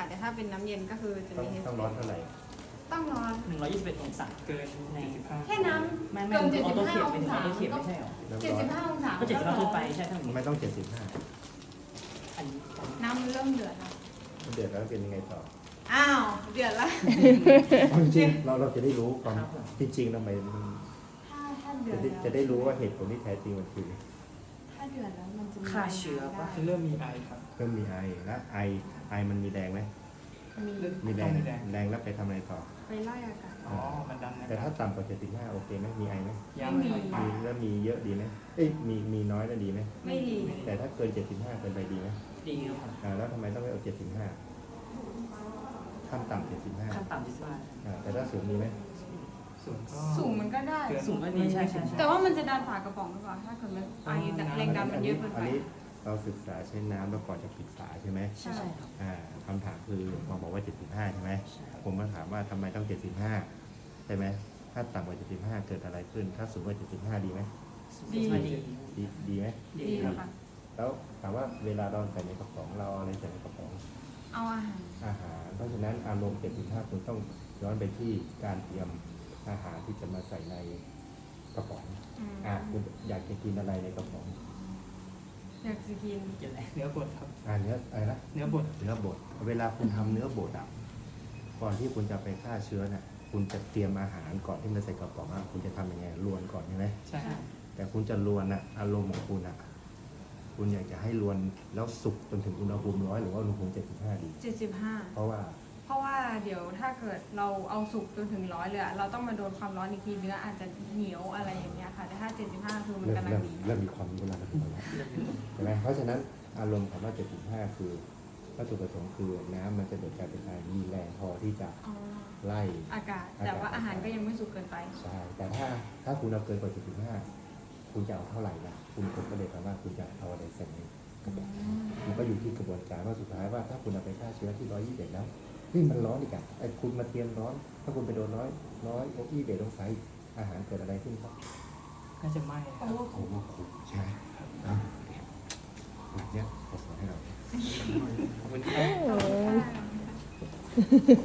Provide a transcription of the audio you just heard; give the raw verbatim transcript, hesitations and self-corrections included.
แต่ถ้าเป็นน้ำเย็นก็คือจะต้อมีงเฮสต้องร้อนเท่าไหร่ต้องร้อนหนึ่งร้อยยี่สิบเอ็ดองศาเกินในเจ็ดสิบห้าแค่น้ไม่ำไม่เกินออโต้เขียนเจ็ดสิบห้าเป็นออโต้เขียนองไม่ศาใช่หรอน้ำเจ็ดร้อสินบห้าองศาก็เจ็ดสิบห้าขึ้นไปใช่ทั้งหมดไม่ต้องเจ็ดสิบห้าอันนี้น้ำมันเริ่มเดือดแล้วเดือดแล้วเป็นยังไงต่ออ้าวเดือดแล้วเอาจริงๆเราเราจะได้รู้ความจริงๆทำไมมันถ้าถ้าเดือจะดได้แล้วจะได้รู้ว่าเหตุผลที่แท้จริงมันคือถ้าเดือดแล้วมันจะมีฆ่าเชื้อปะได้เริ่มมีไอครับเริ่มมีไอและไอไอมันมีแดงไหมมีมีแดต้อง งมีแดงแดงแล้วไปทำอะไรต่อไปไล่อากาศอ๋อ มันดันนะแต่ถ้าต่ำกว่าเจ็ดสิบห้าโอเคไหมมีไอไหมยังไม่มีครับมีแล้วมีเยอะดีไหมเอ้ยมีมีน้อยแล้วดีไหมไม่ดีแต่ถ้าเกินเจ็ดสิบห้าเกินไปดีไหมดีครับอ่าแล้วทำไมต้องไปเอาเจ็ดสิบห้าขั้นต่ำเจ็ดสิบห้าขั้นต่ำที่สุดอ่าแต่ถ้าสูงมีไหมส่วนก็สูงมันก็ได้เกินสูงก็ดีใช่ใช่ใช่แต่ว่ามันจะดันฝากระป๋องหรือเปล่าถ้าเกิดมันไอแรงดันมันเยอะเกินอัไปนนี้เราศึกษาใช้น้ำแล้วก่อนจะปิดฝาใช่ไหมใช่ใช่ครับอ่าคำถามคือหมอบอกว่าเจ็ดสิบห้าใช่ไหมใช่ครับผมมาถามว่าทำไมต้องเจ็ดสิบห้าใช่ไหมถ้าต่ำกว่าเจ็ดสิบห้าเกิดอะไรขึ้น ถ้าสูงกว่าเจ็ดสิบห้าดีไหมดีดีดีดีไหมดีดีครับค่ะแล้วถามว่าเวลาเราใส่ในกระป๋องเราเอาอะไรใส่ในกระป๋องเอาอาหารอาหาร เพราะฉะนั้นอารมณ์เจ็ดสิบห้าคุณต้องย้อนไปที่การเตรียมอาหารที่จะมาใส่ในกระป๋องอืมอ่ะคุณอยากจะกินอะไรในกระป๋องอยากจะกินเกี่ยวอะไรเนื้อบดครับอ่าเนื้ออะไรนะเนื้อบดเนื้อบดเวลาคุณทำเนื้อบดอ่ะก่อนที่คุณจะไปฆ่าเชื้อน่ะคุณจะเตรียมอาหารก่อนที่มันใส่กระป๋องอ่ะคุณจะทำยังไงลวนก่อนใช่ไหมใช่แต่คุณจะลวนอ่ะอารมณ์ของคุณอ่ะคุณอยากจะให้ลวนแล้วสุกจนถึงอุณหภูมิร้อยหรือว่าอุณหภูมิเจ็ดสิบห้าดีเจ็ดสิบห้าเพราะว่าเพราะว่าเดี๋ยวถ้าเกิดเราเอาสุกจนถึงร้อยเลยอะเราต้องมาโดนความร้อนอีกทีเนื้ออาจจะเหนียวอะไรอย่างเงี้ยค่ะ แต่ถ้าเจ็ดสิบห้าคือมันเริ่มกำลังเริ่มดีเริ่มมีความรู้แล้วนะใช่ไหมเพราะฉะนั้นอารมณ์คำว่าเจ็ดสิบห้าคือวัตถุประสงค์คือน้ำมันจะเกิดการเป็นไอมีแรงพอที่จะอ๋อไล่อากาศ แต่ว่าอาหารก็ยังไม่สุกเกินไปใช่ แต่ถ้าถ้าคุณเอาเกินกว่าเจ็ดสิบห้าคุณจะเอาเท่าไหร่ล่ะ คุณกดก็เลยแปลว่าคุณจะเอาอะไรใส่ในกระบอกมันก็อยู่ที่กระบวนการว่าสุดท้ายว่าถ้าคุณเอาไปฆ่าเชื้อที่ร้อยยี่สิบเอ็ดแล้วนี่มันร้อนอีกอ่ะไอ้คุณมาเตรียมร้อน ถ้าคุณไปโดนร้อยร้อยยี่สิบเอ็ดองศาอีกอาหารเกิดอะไรขึ้นครับน่าจะไหม้ครับโอ้โหคุกใช่ไหมอ่ะแบบเนี้ยผมสอนให้เราขอบคุณครับขอบคุณค่ะ